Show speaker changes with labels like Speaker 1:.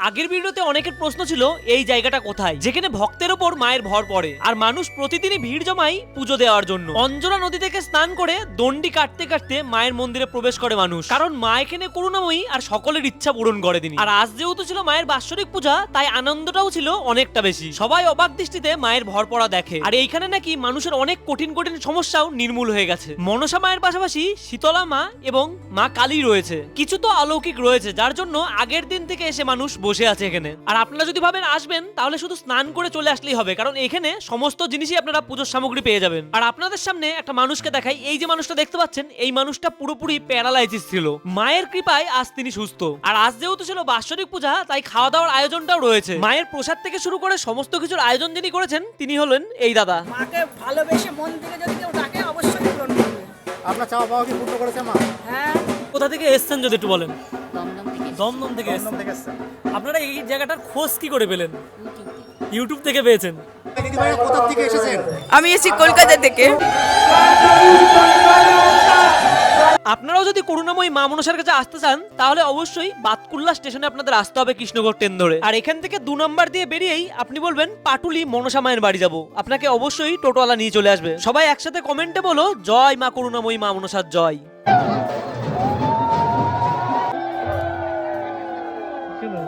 Speaker 1: আগের ভিডিওতে অনেকের প্রশ্ন ছিল এই জায়গাটা কোথায়, যেখানে ভক্তের ওপর মায়ের ভর পড়ে আর মানুষ প্রতিদিনই ভিড় জমায় পুজো দেওয়ার জন্য। অঞ্জনা নদী থেকে স্নান করে দণ্ডি কাটতে কাটতে মায়ের মন্দিরে প্রবেশ করে মানুষ, কারণ মা এখানে করুণাময়ী আর সকলের ইচ্ছা পূরণ করে তিনি। আর আজ যেহেতু ছিল মায়ের বাৎসরিক পূজা, তাই আনন্দটাও ছিল অনেকটা বেশি। সবাই অবাক দৃষ্টিতে মায়ের ভর পড়া দেখে, আর এইখানে নাকি মানুষের অনেক কঠিন কঠিন সমস্যাও নির্মূল হয়ে গেছে। মনসা মায়ের পাশাপাশি শীতলা মা এবং মা কালী রয়েছে, কিছু তো অলৌকিক রয়েছে, যার জন্য আগের দিন থেকে এসে মানুষ বসে আছে এখানে। আর আপনারা যদি ভাবেন আসবেন, তাহলে শুধু স্নান করে চলে আসলেই হবে, কারণ এখানে সমস্ত জিনিসই আপনারা পুজোর সামগ্রী পেয়ে যাবেন। আর আপনাদের সামনে একটা মানুষকে দেখাই। এই যে মানুষটা দেখতে পাচ্ছেন, এই মানুষটা পুরোপুরি প্যারালাইসিস ছিল, মায়ের কৃপায় আজ তিনি সুস্থ। আর আজ যেহেতু ছিল বাৎসরিক পূজা, তাই খাওয়া দাওয়ার আয়োজনটাও রয়েছে। মায়ের প্রসাদ থেকে শুরু করে সমস্ত কিছুর আয়োজন যিনি করেছেন, তিনি হলেন এই দাদা।
Speaker 2: মাকে ভালোবেসে মন থেকে যদি কেউ ডাকে অবশ্যই পূরণ করবে।
Speaker 3: আপনার চাওয়া পাওয়া কি পূর্ণ করেছে মা?
Speaker 2: হ্যাঁ,
Speaker 1: কোথা থেকে এসেছেন যদি একটু বলেন? দমদম থেকে
Speaker 3: দমদম
Speaker 1: এসেছেন।
Speaker 3: থেকে এসছেন।
Speaker 1: আপনারা এই জায়গাটার খোঁজ কি করে পেলেন? ইউটিউব থেকে পেয়েছেন?
Speaker 3: দিদিভাইরা কোথা থেকে এসেছেন?
Speaker 2: আমি এসেছি কলকাতা থেকে।
Speaker 1: আপনারাও যদি করুণাময়ী মা মনসার কাছে আসতে চান, তাহলে অবশ্যই বাতকুল্লা স্টেশনে আপনাদের আসতে হবে কৃষ্ণগড় ট্রেন ধরে। আর এখান থেকে 2 নম্বর দিয়ে বেরিয়েই আপনি বলবেন পাটুলি মনসা মায়ের বাড়ি যাব, আপনাকে অবশ্যই টোটোওয়ালা নিয়ে চলে আসবে। সবাই একসাথে কমেন্টে বলো জয় মা করুণাময়ী মা মনসার জয়।